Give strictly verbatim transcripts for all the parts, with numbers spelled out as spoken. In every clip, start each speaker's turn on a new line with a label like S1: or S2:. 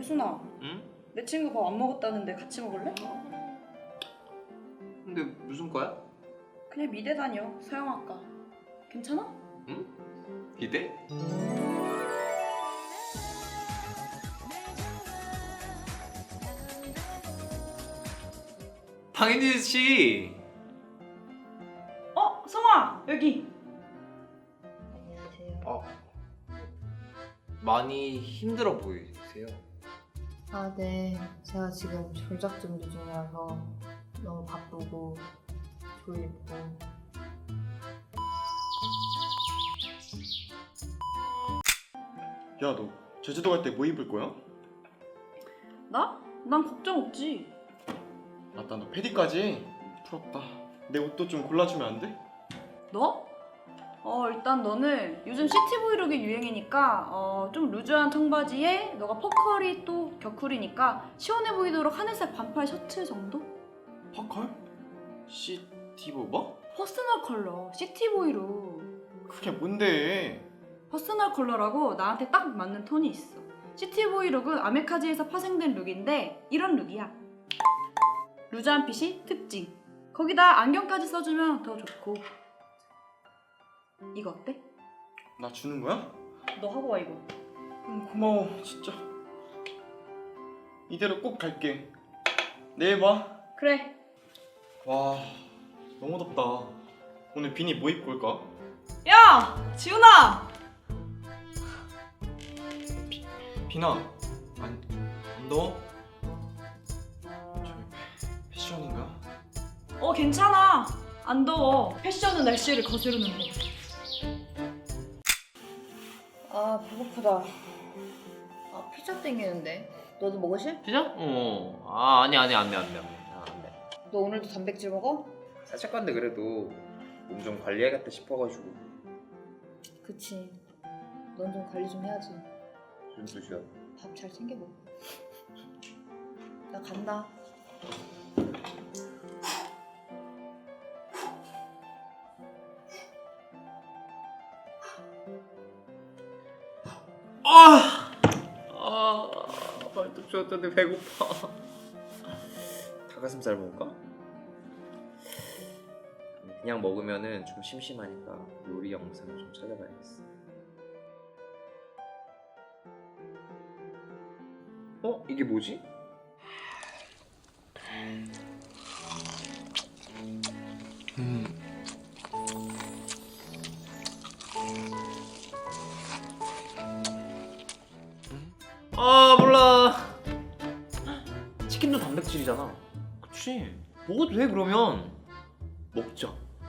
S1: 혜순아,
S2: 응?
S1: 내 친구 밥 안 먹었다는데 같이 먹을래?
S2: 근데 무슨 과야?
S1: 그냥 미대 다녀, 서영학과. 괜찮아?
S2: 응? 기대? 당연히지.
S1: 어, 성아, 여기.
S3: 안녕하세요.
S2: 어, 많이 힘들어 보이세요.
S3: 아, 네. 제가 지금 졸작 준비 중이라서 너무 바쁘고 졸리고.
S4: 야, 너 제주도 갈 때 뭐 입을 거야?
S1: 나? 난 걱정 없지.
S4: 맞다, 너 패디까지? 부럽다. 내 옷도 좀 골라주면 안 돼?
S1: 너? 어, 일단 너는 요즘 시티 브이룩이 유행이니까 어, 좀 루즈한 청바지에 너가 퍼컬이 또 격쿨이니까 시원해 보이도록 하늘색 반팔 셔츠 정도?
S4: 퍼컬? 시티브 뭐?
S1: 퍼스널 컬러, 시티 브이룩.
S4: 그게 뭔데?
S1: 퍼스널 컬러라고 나한테 딱 맞는 톤이 있어. 시티 브이룩은 아메카지에서 파생된 룩인데 이런 룩이야. 루즈한 핏이 특징. 거기다 안경까지 써주면 더 좋고. 이거 어때?
S4: 나 주는 거야?
S1: 너 하고 와 이거.
S4: 응, 고마워, 진짜. 이대로 꼭 갈게. 내일 봐.
S1: 그래.
S4: 와, 너무 덥다. 오늘 비니 뭐 입고 올까?
S1: 야! 지훈아!
S4: 비나, 안, 안 더워? 저기 패션인가?
S1: 어 괜찮아. 안 더워. 패션은 날씨를 거스르는 거.
S3: 아, 배고프다. 아, 피자 땡기는데. 너도 먹으실?
S2: 피자? 어. 아 아니 아니 안돼 안돼 안돼. 아, 안돼.
S3: 너 오늘도 단백질 먹어?
S2: 살짝 건데 그래도 몸 좀 관리해야겠다 싶어가지고.
S3: 그치. 넌 좀 관리 좀 해야지.
S2: 무슨 소리야?
S3: 밥 잘 챙겨 먹어. 나 간다.
S2: 아! 아, 발톱 쥐었더니 배고파. 닭가슴살 먹을까? 그냥 먹으면은 좀 심심하니까 요리 영상을 좀 찾아봐야겠어. 어? 이게 뭐지? 음. 아 몰라. 치킨도 단백질이잖아. 그치? 먹어도 돼 그러면. 먹자.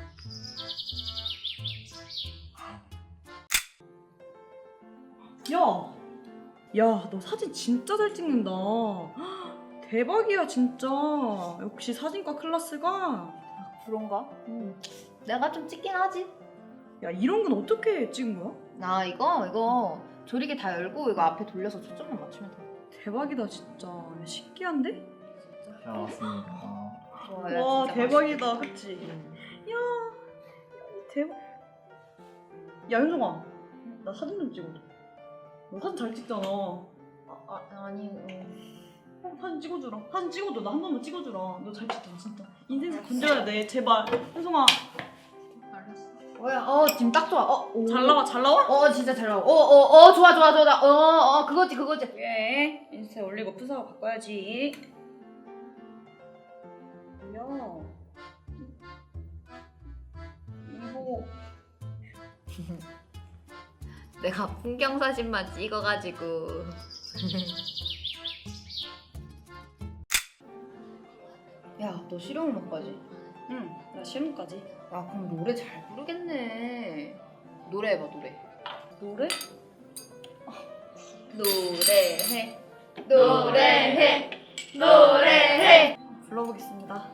S1: 야! 야, 너 사진 진짜 잘 찍는다. 대박이야, 진짜. 역시 사진과 클래스가.
S3: 그런가? 응. 내가 좀 찍긴 하지.
S1: 야, 이런 건 어떻게 찍은 거야?
S3: 나 이거 이거 조리개 다 열고 이거 앞에 돌려서 초점만 맞추면 돼.
S1: 대박이다, 진짜. 야, 신기한데?
S2: 잘 먹었습니다.
S3: 와, 야,
S1: 와,
S3: 진짜
S1: 대박이다,
S3: 맛있겠다.
S1: 그치?
S3: 응.
S1: 야, 대박. 야, 현정아. 나 사진 좀 찍어줘. 너 사진 잘 찍잖아. 어,
S3: 아, 아, 아니 어.
S1: 사진 찍어주라. 사진 찍어줘. 나 한 번만 찍어주라. 너 잘 찍잖아, 진짜. 인생에서 건져야 돼, 제발. 현정아.
S3: 알았어. 뭐야? 어, 지금 딱 좋아. 어, 오.
S1: 잘 나와, 잘 나와?
S3: 어, 진짜 잘 나와. 어, 어, 어, 좋아, 좋아, 좋아. 어, 어, 그거지, 그거지.
S1: 예, 인스타에 올리고 프사하고 바꿔야지. 야, 이거
S3: 내가 풍경 사진만 찍어가지고. 야, 너 실용음악까지?
S1: 응, 나 실험까지.
S3: 야, 그럼 노래 잘 부르겠네. 노래해봐, 노래.
S1: 노래?
S3: 노래해, 노래해, 노래해.
S1: 불러보겠습니다.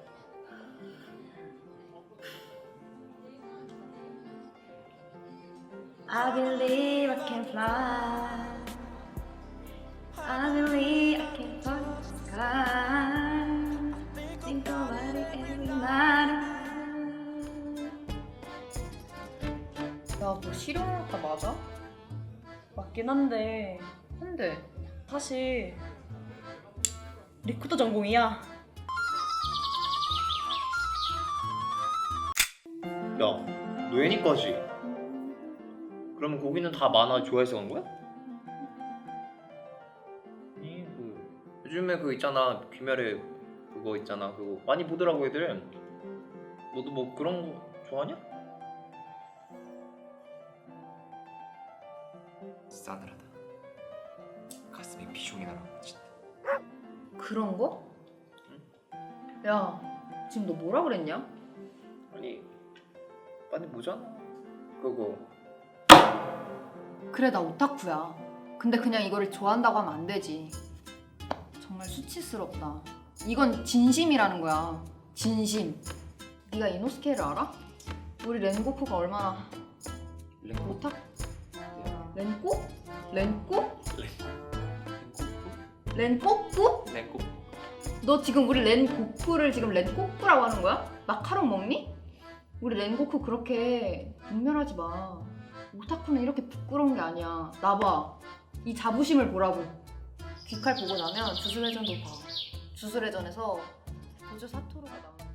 S1: I believe I can fly. I believe I can touch the sky. Think about it every night.
S3: 야, 너 실용음악가 맞아?
S1: 맞긴 한데
S3: 한데.
S1: 사실 리코더 전공이야.
S2: 야, 너 애니까지? 그러면 거기는 다 만화 좋아해서 간 거야? 아니 그 요즘에 그 있잖아 귀멸의 그거 있잖아 그거 많이 보더라고 애들. 너도 뭐 그런 거 좋아하냐? 싸늘하다. 가슴이 비숑이 나라 진짜.
S3: 그런 거? 야, 지금 너 뭐라 그랬냐?
S2: 아니 많이 보잖아 그거.
S3: 그래, 나 오타쿠야. 근데 그냥 이거를 좋아한다고 하면 안 되지. 정말 수치스럽다. 이건 진심이라는 거야. 진심. 네가 이노스케를 알아? 우리 렌고쿠가 얼마나
S2: 랭고
S3: 오타... 렌꼬? 렌꼬? 렌꼬꾸?
S2: 랭고
S3: 너 지금 우리 렌고쿠를 지금 렌꼬꾸라고 하는 거야? 마카롱 먹니? 우리 렌고쿠 그렇게 분멸하지 마. 오타쿠는 이렇게 부끄러운 게 아니야. 나 봐. 이 자부심을 보라고. 귀칼 보고 나면 주술회전도 봐. 주술회전에서 고조 사토루가 나오는